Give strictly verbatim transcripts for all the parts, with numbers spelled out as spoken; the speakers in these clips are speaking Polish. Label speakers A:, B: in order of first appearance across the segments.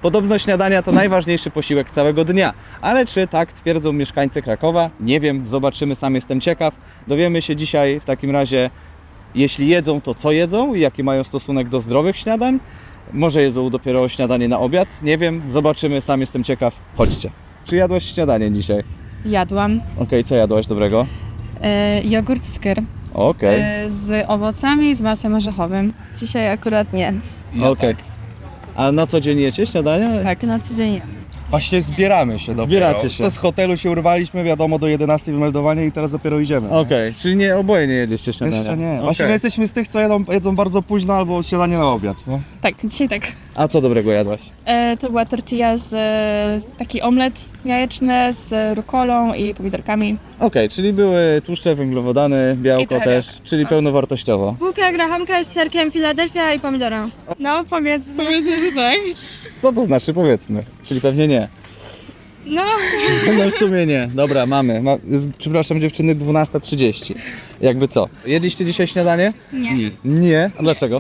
A: Podobno śniadania to najważniejszy posiłek całego dnia, ale czy tak twierdzą mieszkańcy Krakowa? Nie wiem, zobaczymy, sam jestem ciekaw. Dowiemy się dzisiaj w takim razie, jeśli jedzą, to co jedzą i jaki mają stosunek do zdrowych śniadań. Może jedzą dopiero śniadanie na obiad, nie wiem, zobaczymy, sam jestem ciekaw. Chodźcie. Czy jadłaś śniadanie dzisiaj?
B: Jadłam
A: Okej, okay, co jadłaś dobrego?
B: e, jogurt skyr
A: Okej, okay.
B: e, z owocami i z masłem orzechowym. Dzisiaj akurat nie.
A: okej. Okay. A na co dzień jecie śniadanie?
B: Tak, na co dzień.
C: Właśnie zbieramy się dopiero.
A: Zbieracie się.
C: To z hotelu się urwaliśmy, wiadomo, do jedenastej wymeldowanie i teraz dopiero idziemy.
A: Okej, okay. Czyli nie, oboje nie jedliście śniadania?
C: Jeszcze nie.
A: Okay.
C: Właśnie my jesteśmy z tych, co jedzą, jedzą bardzo późno albo śniadanie na obiad. Nie?
B: Tak, dzisiaj tak.
A: A co dobrego jadłaś?
B: E, to była tortilla z e, taki omlet jajeczny z rukolą i pomidorkami.
A: Okej, okay, czyli były tłuszcze, węglowodany, białko też, czyli pełnowartościowo.
D: Bułka grachanka z serkiem Philadelphia i pomidorem.
B: No powiedz, powiedz, że tak.
A: Co to znaczy, powiedzmy? Czyli pewnie nie.
B: No.
A: No w sumie nie. Dobra, mamy. Ma, z, przepraszam dziewczyny, dwunasta trzydzieści. Jakby co? Jedliście dzisiaj śniadanie?
B: Nie.
A: Nie? A dlaczego?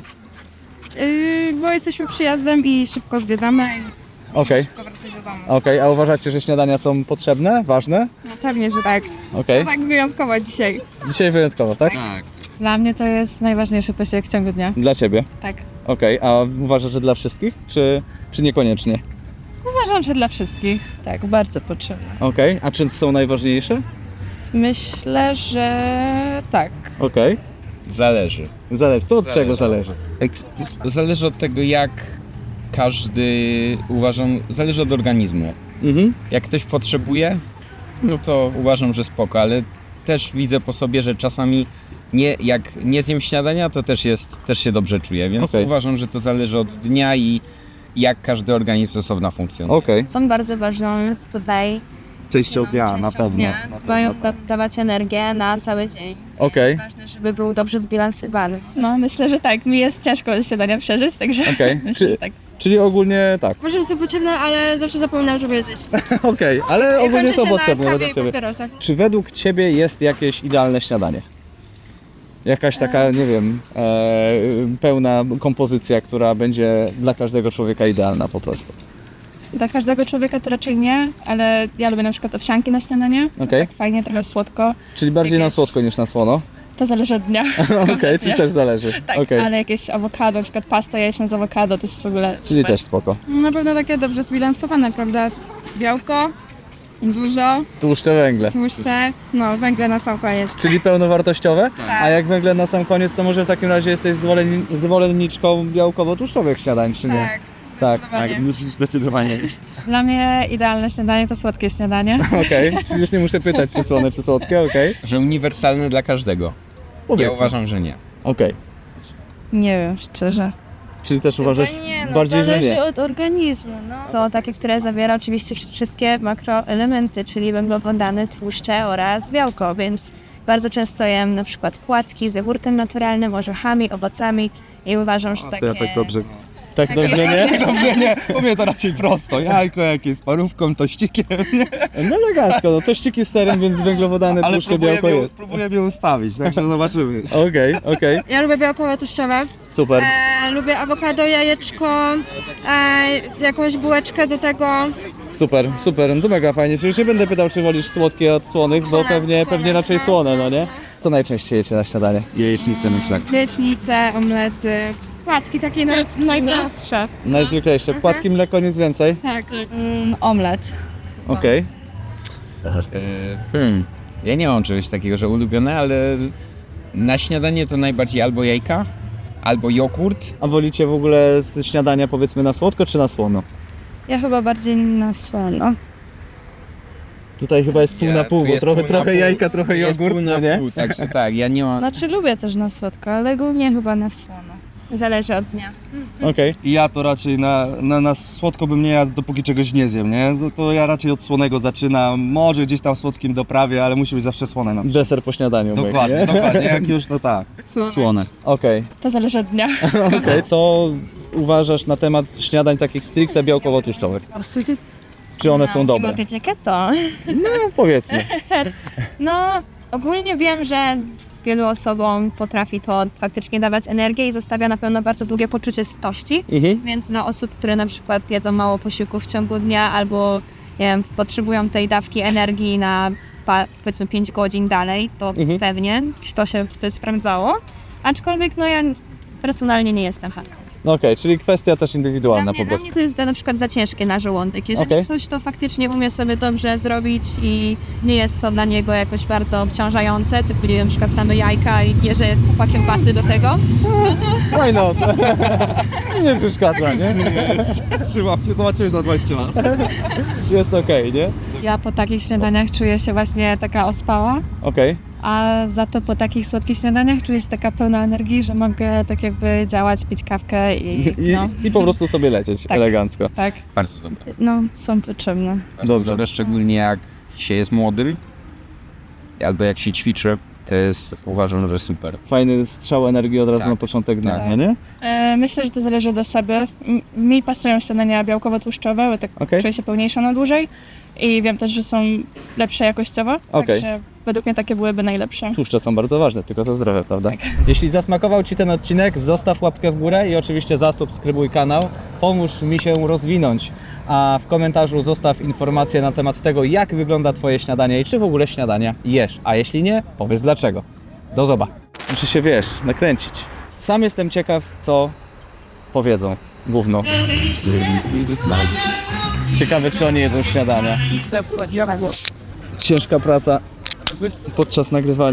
B: Yy, bo jesteśmy przyjazdem i szybko zwiedzamy i
A: Okej.
B: szybko wracać do domu.
A: Okej, a uważacie, że śniadania są potrzebne? Ważne?
B: No pewnie, że tak.
A: Okej.
B: Tak wyjątkowo dzisiaj.
A: Dzisiaj wyjątkowo, tak?
C: Tak.
B: Dla mnie to jest najważniejszy posiłek w ciągu dnia.
A: Dla ciebie.
B: Tak.
A: Okej, a uważasz, że dla wszystkich? Czy, czy niekoniecznie?
B: Uważam, że dla wszystkich. Tak, bardzo potrzebne.
A: Okej, a czy są najważniejsze?
B: Myślę, że tak.
A: Okej.
E: Zależy.
A: Zależy. To od
E: Zależy.
A: czego zależy?
E: Jak, zależy od tego, jak każdy uważam, zależy od organizmu.
A: Mhm.
E: Jak ktoś potrzebuje, no to uważam, że spoko, ale też widzę po sobie, że czasami nie, jak nie zjem śniadania, to też jest, też się dobrze czuję, więc
A: Okej.
E: uważam, że to zależy od dnia i jak każdy organizm osobno funkcjonuje.
A: Okej.
D: Są bardzo ważne tutaj.
C: Częścią dnia, na pewno.
D: Dnia.
C: Na pewno.
D: Mają da- dawać energię na cały dzień.
A: Okej.
D: Ważne, żeby był dobrze zbilansowany.
B: No, myślę, że tak. Mi jest ciężko śniadania przeżyć, także
A: Okej.
B: myślę,
A: Czy-
B: że tak.
A: Czyli ogólnie tak.
D: Może są potrzebne, ale zawsze zapominam, żeby je zjeść.
A: Okej, ale ogólnie
D: kończy
A: są
D: się na
A: potrzebne
D: kawie
A: według
D: i
A: ciebie.
D: papierosach.
A: Czy według ciebie jest jakieś idealne śniadanie? Jakaś taka, nie wiem, e, pełna kompozycja, która będzie dla każdego człowieka idealna po prostu.
B: Dla każdego człowieka to raczej nie, ale ja lubię na przykład owsianki na śniadanie.
A: Okej.
B: Tak fajnie, trochę słodko.
A: Czyli bardziej na
B: Jakieś-
A: słodko niż na słono?
B: To zależy od dnia.
A: Okej, czyli też zależy.
B: Tak,
A: Okej,
B: ale jakieś awokado, na przykład pasta jajeczna z awokado, to jest w ogóle
A: czyli
B: super.
A: też spoko.
B: Na pewno takie dobrze zbilansowane, prawda? Białko, dużo,
A: Tłuszcze, węgle.
B: tłuszcze, no węgle na sam koniec.
A: Czyli pełnowartościowe? A jak węgle na sam koniec, to może w takim razie jesteś zwolenni- zwolenniczką białkowo-tłuszczowych śniadań, czy nie? Tak.
C: Tak, zdecydowanie jest.
B: Dla mnie idealne śniadanie to słodkie śniadanie.
A: Okej, czyli już nie muszę pytać, czy słone, czy słodkie, okej?
E: Że uniwersalne dla każdego. Ja
A: Powiedzmy.
E: uważam, że nie.
A: Okej.
B: Nie wiem, szczerze.
A: Czyli też uważasz
D: Nie, no,
A: bardziej, że
D: zależy
A: nie?
D: od organizmu. No. Są takie, które zawiera oczywiście wszystkie makroelementy, czyli węglowodany, tłuszcze oraz białko, więc bardzo często jem na przykład płatki z jogurtem naturalnym, orzechami, owocami i uważam, że
C: To
D: takie...
C: ja tak dobrze.
A: Tak dobrze, nie?
C: Dobrze, nie. U mnie to raczej prosto. Jajko jakieś z parówką, tościkiem. Nie?
A: No elegancko, no tościki z serem, więc węglowodany,
C: Ale
A: tłuszcze,
C: próbuję
A: białko
C: je,
A: jest.
C: próbuję je ustawić, także zobaczymy.
A: Okej, okej,
D: Ja lubię białkowe, tłuszczowe.
A: super.
D: E, lubię awokado, jajeczko, e, jakąś bułeczkę do tego.
A: Super, super, no to mega fajnie. Czyli już nie będę pytał, czy wolisz słodkie od słonych, bo
D: Słone,
A: pewnie,
D: słone,
A: pewnie raczej
D: no,
A: słone, no
D: no,
A: nie? Co najczęściej jecie na śniadanie?
C: Jajecznicę myślę.
B: Jajecznice, omlety.
D: Płatki takie naj, najprostsze.
A: Najzwyklejsze. Płatki, mleko, nic więcej?
D: Tak.
B: Mm, omlet.
A: Okej.
E: E, Hmm. Ja nie mam czegoś takiego, że ulubione, ale na śniadanie to najbardziej albo jajka, albo jogurt.
A: A wolicie w ogóle z śniadania powiedzmy na słodko, czy na słono?
B: Ja chyba bardziej na słono.
A: Tutaj chyba jest pół
E: Ja-
A: na pół,
E: tu
A: bo
E: jest
A: trochę,
E: pół na
A: trochę
E: pół.
A: jajka, trochę
E: Jest
A: jogurt,
E: pół na
A: no nie?
E: pół, także tak, ja nie mam...
B: Znaczy lubię też na słodko, ale głównie chyba na słono.
D: Zależy od dnia.
A: Okej.
C: I ja to raczej na, na, na słodko bym nie jadł, dopóki czegoś nie zjem, nie? To, to ja raczej od słonego zaczynam, może gdzieś tam słodkim doprawię, ale musi być zawsze słone na przykład.
A: Deser po śniadaniu. myk,
C: Dokładnie,
A: nie?
C: dokładnie, jak już to tak.
B: Słono.
C: Słone.
A: Okej,
B: To zależy od dnia.
A: okej. Co uważasz na temat śniadań takich stricte białkowo-tłuszczowych? Czy one są dobre?
D: Motycie keto.
A: No powiedzmy.
D: No, ogólnie wiem, że wielu osobom potrafi to faktycznie dawać energię i zostawia na pewno bardzo długie poczucie sytości.
A: Mhm.
D: Więc dla osób, które na przykład jedzą mało posiłków w ciągu dnia albo nie wiem, potrzebują tej dawki energii na pa, powiedzmy pięć godzin dalej, to
A: Mhm.
D: pewnie to się by sprawdzało. Aczkolwiek no ja personalnie nie jestem fanką.
A: No okej, czyli kwestia też indywidualna
D: Dla
A: po
D: mnie, dla
A: prostu.
D: mnie to jest na przykład za ciężkie na żołądek. Jeżeli
A: Okej.
D: ktoś to faktycznie umie sobie dobrze zrobić i nie jest to dla niego jakoś bardzo obciążające, typu nie wiem, na przykład same jajka i bierze kupa kiełbasy do tego,
A: Why not? Nie przeszkadza, nie?
C: Trzymam się, zobaczymy za dwadzieścia lat.
A: Jest okej, nie?
B: Ja po takich śniadaniach czuję się właśnie taka ospała,
A: Okej.
B: a za to po takich słodkich śniadaniach czuję się taka pełna energii, że mogę tak jakby działać, pić kawkę i
A: I,
B: no,
A: I po prostu sobie lecieć
B: Tak.
A: elegancko.
B: tak,
E: Bardzo dobre.
B: no są potrzebne.
E: Bardzo
A: Dobrze.
E: dobre, szczególnie jak się jest młody albo jak się ćwiczy, to jest, uważam, że super.
A: Fajny strzał energii od razu
E: Tak.
A: na początek dnia,
E: Tak.
A: no nie?
B: E, myślę, że to zależy od osoby. M- Mi pasują śniadania białkowo-tłuszczowe, bo tak
A: Okej.
B: czuję się pełniejsza na dłużej i wiem też, że są lepsze jakościowo,
A: Okej.
B: także według mnie takie byłyby najlepsze.
A: Tłuszcze są bardzo ważne, tylko to zdrowe, prawda? Jeśli zasmakował Ci ten odcinek, zostaw łapkę w górę i oczywiście zasubskrybuj kanał. Pomóż mi się rozwinąć. A w komentarzu zostaw informację na temat tego, jak wygląda Twoje śniadanie i czy w ogóle śniadania jesz. A jeśli nie, powiedz dlaczego. Do zoba. Muszę się, wiesz, nakręcić. Sam jestem ciekaw, co powiedzą gówno. Ciekawe, czy oni jedzą śniadania. Ciężka praca podczas nagrywania.